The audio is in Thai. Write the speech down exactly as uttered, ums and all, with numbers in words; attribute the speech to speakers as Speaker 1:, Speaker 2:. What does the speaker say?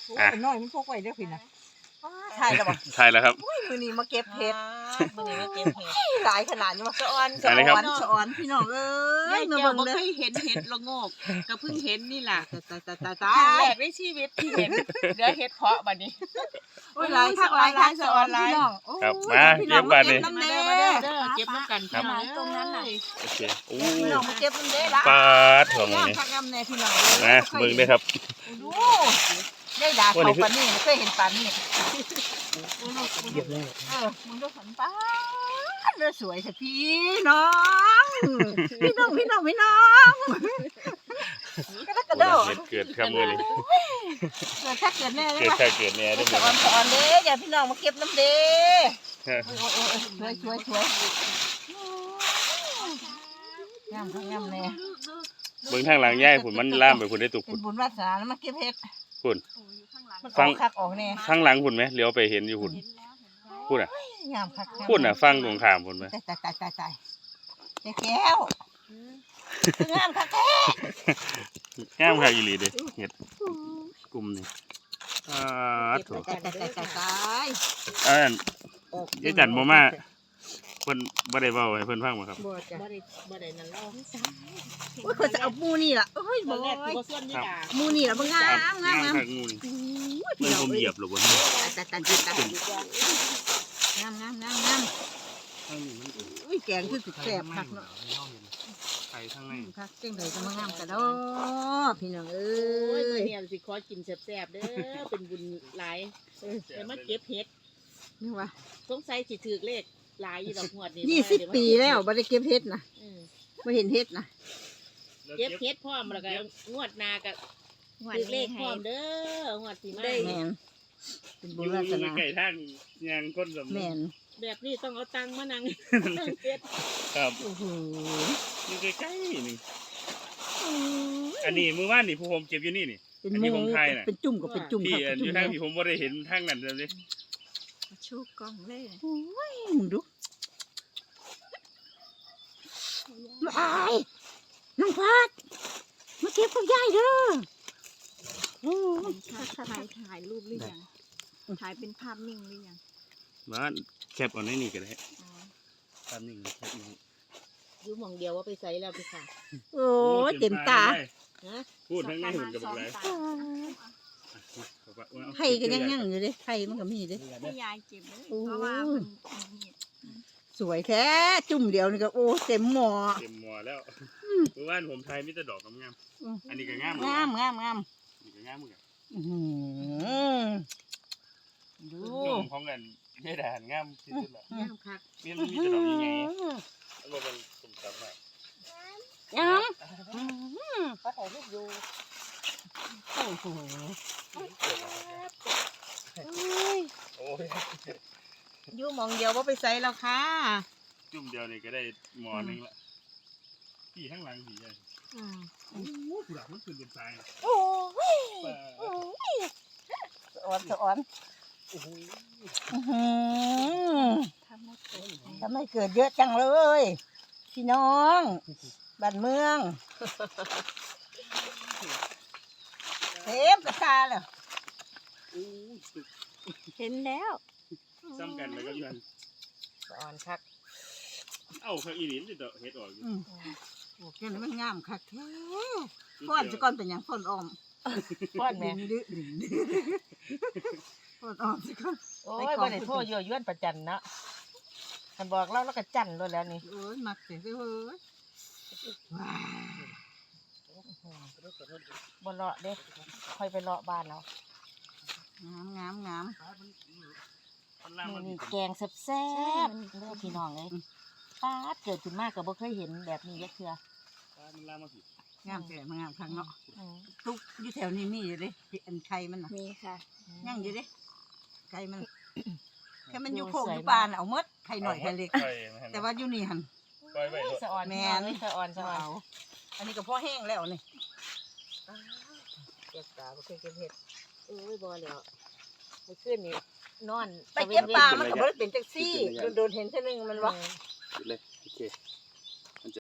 Speaker 1: อ่ะน้อยมันพกไว้เด้อพี่นะถ่ายแล้วบ่
Speaker 2: ถ่ายแล้วครับ
Speaker 1: มื้อนี้มาเก็บเห็ด
Speaker 3: มื้อนี้มาเก็บเห็ด
Speaker 1: หลายขนาดนี้มาสะออน
Speaker 2: สะออน
Speaker 1: สะออนพี่น้องเอ้
Speaker 3: ยาย ย
Speaker 1: มา
Speaker 3: เจ้า
Speaker 1: เบิ่ง
Speaker 3: บ่
Speaker 1: เด้
Speaker 3: เค
Speaker 1: อย
Speaker 3: เห็นเห็ดละโงกก็เพิ่งเห็นนี่ล่ะ
Speaker 1: ตายตายตาย
Speaker 3: ค
Speaker 1: ตา
Speaker 3: รั้งแร
Speaker 1: ย
Speaker 3: กในชีวิตที่เห็นเดี๋ยวเห็ดเพาะบัดนี้
Speaker 1: โอ้ยหลายคักหลายคักสะออนพี่น้อง
Speaker 2: ครับมาเก็บบัดนี้
Speaker 1: น้ำ
Speaker 3: มา
Speaker 1: เด้
Speaker 3: เด้อมาเด้อเด้อเก็บน้ำกันพี่น้อง
Speaker 1: ตรงนั้นน่ะ
Speaker 2: โอเคโอ้
Speaker 1: พี่น้องมาเก็บน้ำเด้ละ
Speaker 2: ปาดของ
Speaker 1: ย่าง
Speaker 2: นี่
Speaker 1: คักน้ำแน่พี่น้อง
Speaker 2: นะเบิ่งด้วยครับ
Speaker 1: ดูได้ด่าเขาปานนี้เคยเห็นปานนี้เก็บแล้วเออมึงดูสันป้าเด้อสวยสักพี่น้องพี่น้องพี่น้องพี่น้องกระดกกระโดด
Speaker 2: เกิดเกิดครับมื้อนี้
Speaker 1: เกิดถ้าเกิดแน่เลย
Speaker 2: เกิด
Speaker 1: ว่ะ
Speaker 2: ใครเกิดแน่ได้
Speaker 1: สะ
Speaker 2: มื้
Speaker 1: อ
Speaker 2: อ
Speaker 1: อน
Speaker 2: นี้
Speaker 1: สะออนเด้อย่าพี่น้องมาเก็บน้ำเด้
Speaker 2: ฮะ
Speaker 1: โอ้โอ้สวยสวยสวยงามงามแน่
Speaker 2: เบิ่งทางหลังยายพุ่นมันล่ามไปพุ่นได้ตุก
Speaker 1: เป็
Speaker 2: พุ่
Speaker 1: น
Speaker 2: น
Speaker 1: บุญวาสนาแล้วมาเก็บเห็ด
Speaker 2: พุ่น
Speaker 1: มันอ
Speaker 2: ฟั
Speaker 1: อง กคักออกแน่
Speaker 2: ทางหลังพุ่นไหมเลี้ยวไปเห็นอยู่พุ่นพุ่นอ่ะ
Speaker 1: งามคัก
Speaker 2: พุ่นอ่ะฟังตรงข้ามพุ่นไหม
Speaker 1: ตายตายตายตายตายแก้แก้วงามคักแท้
Speaker 2: งามคักอีหลีเด้เฮ็ดกลุ่มนี่อ่าโถ
Speaker 1: ตายตายตายตายตาย
Speaker 2: อันนั้นยายจันบ่มาเพิ่นบ่ได้เว้าให้เพิ่นฟังบ่ครับ
Speaker 1: บ่จ้ะ
Speaker 3: บ่ได้บ่ได้นั่นเล่า
Speaker 1: โอ้ยคนจะเอามูนี่ล่ะโอ้ย
Speaker 3: ต
Speaker 1: บ่
Speaker 3: อนแรก
Speaker 1: โอ้ย
Speaker 3: บ่ส่วนนี่ล่ะ
Speaker 1: มูนี่ล่ะบ่งามงามงาม
Speaker 2: คักงูนี่
Speaker 1: โอ้ย
Speaker 2: เพิ่
Speaker 1: พี่
Speaker 2: น
Speaker 1: น้อง
Speaker 2: ผมเหยียบหรอกบ่
Speaker 1: ตายตายตายตายงามงามงามงาม
Speaker 2: ทางนี้มัน
Speaker 1: อุ้ยแกงคือสิแซ่บคักเนาะ
Speaker 2: ไข่ทางใน
Speaker 1: คักจังไดจะมางามกันเนาะพี่น้องเอ้
Speaker 3: โอ้ยมื้
Speaker 1: ย
Speaker 3: อนี้สิขอกินแซ่บๆเด้อเป็นบุญหลายเออได้มาเก็บเห็ด
Speaker 1: นี่ว่า
Speaker 3: สงสัยสิถูกเลขหลายอยู่ดอกหวดนี่
Speaker 1: ยี่สิบปีแล้วบ่ได้เก็บเห็ดนะ
Speaker 3: อืม
Speaker 1: บ่เห็นเห็ดนะ
Speaker 3: เก็บเห็ดพร้อมแล้วก็งวดหน้าก็ถูกเลขพร้อมเด้องวดสิมา
Speaker 1: แม่นเป็น
Speaker 2: อ
Speaker 1: บุญ
Speaker 2: ยู่
Speaker 1: วาส
Speaker 2: อยู่
Speaker 1: นา
Speaker 2: ใกล้ทางยางคนสำ
Speaker 1: แม่น
Speaker 3: แบบนี้ต้องเอาตังค์มานั่งนั่งเป็ด
Speaker 2: ครับ
Speaker 1: โอ้โห
Speaker 2: อยู่ใกล้ๆนี่อันนี้มื้อวานนี่ผู้ผมเก็บอยู่นี่นี่
Speaker 1: เป็น
Speaker 2: อัน
Speaker 1: ห
Speaker 2: นี้
Speaker 1: มู
Speaker 2: ผมถ่ายน่ะ
Speaker 1: เป็นจุ่มกับเป็นจุ่ม
Speaker 2: พี่
Speaker 1: ครับ
Speaker 2: อันอยู่ทางที่ผมบ่ได้เห็นทางนั้นเลย
Speaker 1: ชูกล้องเลยโอ้ยมึงดูไอ้น้องพัดมาเก็บกับยายเด้อโอ้ย
Speaker 4: ถ่ายถ่ายรูปหรือยังถ่ายเป็นภาพนิ่งหรือยัง
Speaker 2: มาแคปเอาในนี่ก็ได้
Speaker 4: อ๋อ
Speaker 2: ตามนี่แคปนี่
Speaker 3: อยู่หม่องเดียวว่าไปใส่แล้วพี่ค่ะ
Speaker 1: โอ้ยเต็มตา
Speaker 3: ฮะ
Speaker 2: พูดทั้งในหุ่นกับ
Speaker 4: ส
Speaker 2: อะ
Speaker 4: อง
Speaker 2: ไร
Speaker 4: ตา
Speaker 1: ไข่ก็ยังยังอยู่เลยไข่มันก็มีเลย
Speaker 4: ให้ยายเก็บเลย
Speaker 1: โอ้
Speaker 4: เพราะว่ามันมี
Speaker 1: สวยแท้จุ่มเดียวนี่ก็โอ้เต็มหม้อ
Speaker 2: เต็มหมอแล้วเมื่อวานผมถ่ายมีแต่ดอกงามๆอันนี้ก็งาม
Speaker 1: งามงามงาม
Speaker 2: อันนี้ก็งามเหมือนกัน
Speaker 1: อื้อหือดู
Speaker 2: จุ่มของกันไม่ได้หันงามที่สุดละ
Speaker 3: งามคัก
Speaker 2: นี่มันมีแต่ดอกใหญ่ๆแล้วมันสุ่มจับมาก
Speaker 1: งาม
Speaker 3: เขาถ่ายรูปอยู่
Speaker 1: โอ้โห
Speaker 2: โอ้ย
Speaker 1: อยู่หมองเดียวว่าไปใส่แล้วค่ะ
Speaker 2: จุ่มเดียวนี่ก็ได้หมอหนึงละพี่ข้างหลังพี่ใหญ่
Speaker 1: อืม
Speaker 2: โอ้โหผู้หลักมันขึ้นเป็นทราย
Speaker 1: โอ้ย
Speaker 2: ป่า
Speaker 1: สะออนสะออน
Speaker 2: โอ้โห
Speaker 1: อื้อหือ
Speaker 4: ทำให้เกิด
Speaker 1: ทำไมเกิดเยอะจังเลย พี่น้อง บ้านเมืองเต็มกระตาเลย
Speaker 2: โอ้ย
Speaker 4: เห็นแล้ว
Speaker 2: ซ้ำกันแล้วก็ยัน
Speaker 3: สะออนคัก
Speaker 2: เอ้าข้างอีหลินติดดอกเฮ็ดออกอยู่
Speaker 1: อืมโอ้แค่นี้มันงามคักแท้ก้อนจะก้อนเป็นอย่างก้อนออม
Speaker 3: ป้อนแม่
Speaker 1: ดึงดึงดึงก้อนออมจะก้อน
Speaker 3: โอ้ยบ่ได้โทษยั่วยวนประจันเนาะคันบอกเราแล้วก็จันเลยแล้วนี่
Speaker 1: โอ้ยมักเสียเลยเว้ยว้า
Speaker 3: บ่เลาะเด้ค่อยไปเลาะบ้านเรา
Speaker 1: งามงามงาม
Speaker 2: มันล่าง
Speaker 3: มื้
Speaker 2: มั
Speaker 3: อน นี้แกงแซ่บๆเด้อพี่น้องเอ้ยป้าดเกิดขึ้นมาก็บ่เคยเห็นแบบนี้จักเทื่อ
Speaker 2: มันล่างมาผิด
Speaker 1: งามแต่มันงามครั้งเนาะ
Speaker 3: อือ
Speaker 1: ทุกอยู่แถวนี้มีอยู่เด้อันไข่มันน่ะ
Speaker 4: มีค่ะ
Speaker 1: ย่างอยู่เด้ไข่มันแค่มันอยู่โคกอยู่ป่าน่ะเอาหมดไข่หน่อยไข่เล็ก
Speaker 2: ปล่อยมันให้
Speaker 1: แต่ว่าอยู่นี่หัน
Speaker 2: ปล่อยไว้โลด
Speaker 3: สะออน
Speaker 1: แม่
Speaker 3: แม่
Speaker 1: น
Speaker 3: นสะออนสะออน
Speaker 1: เอาอันนี้ก็พอแห้งแล้วนี่
Speaker 3: เก็บตาบ่เคยเก็บเห็ดเอ้ยบ่แล้วเมื่อคืนนี่นอน
Speaker 1: ไปเก็บปลามันก็บ่ได้เป็นจังซี่โดนๆเห็นเท่านึงมันว่า
Speaker 2: เลยโอเค